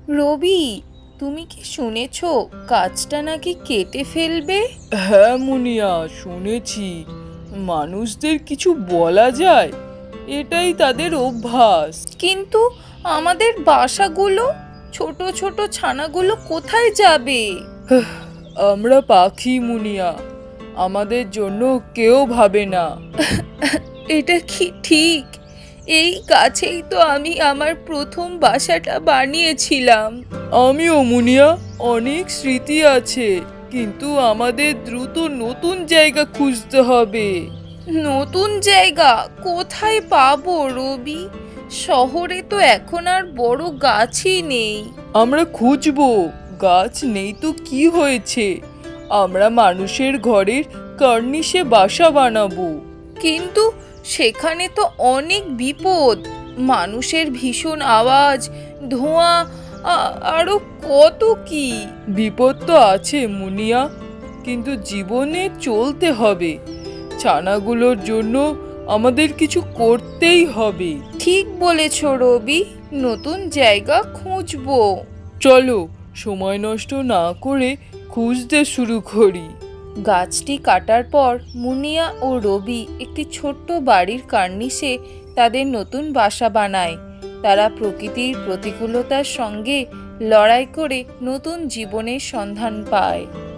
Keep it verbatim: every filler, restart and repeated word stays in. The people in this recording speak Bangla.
রবি, তুমি কি শুনেছো গাছটা নাকি কেটে ফেলবে? হ্যাঁ মুনিয়া, শুনেছি। মানুষদের কিছু বলা যায়? এটাই তাদের অভ্যাস। কিন্তু আমাদের বাসাগুলো, ছোট ছোট ছানাগুলো কোথায় যাবে? আমরা পাখি মুনিয়া, আমাদের জন্য কেউ ভাবে না। এটা কি ঠিক? এই গাছেই তো আমি আমার প্রথম বাসাটা বানিয়েছিলাম। আমিও মুনিয়া, অনেক স্মৃতি আছে, কিন্তু আমাদের দ্রুত নতুন জায়গা খুঁজতে হবে। নতুন জায়গা কোথায় পাবো রবি? শহরে তো এখন আর বড় গাছই নেই। আমরা খুঁজবো, গাছ নেই তো কি হয়েছে, আমরা মানুষের ঘরের কর্নিশে বাসা বানাবো। কিন্তু সেখানে তো অনেক বিপদ, মানুষের ভীষণ আওয়াজ, ধোঁয়া, আ- আরো কত কি। বিপদ তো আছে মুনিয়া, কিন্তু জীবনে চলতে হবে। ছানাগুলোর জন্য আমাদের কিছু করতেই হবে। ঠিক বলেছ রবি, নতুন জায়গা খুঁজবো। চলো, সময় নষ্ট না করে খুঁজতে শুরু করি। গাছটি কাটার পর মুনিয়া ও রবি একটি ছোট্ট বাড়ির কার্নিশে তাদের নতুন বাসা বানায়। তারা প্রকৃতির প্রতিকূলতার সঙ্গে লড়াই করে নতুন জীবনের সন্ধান পায়।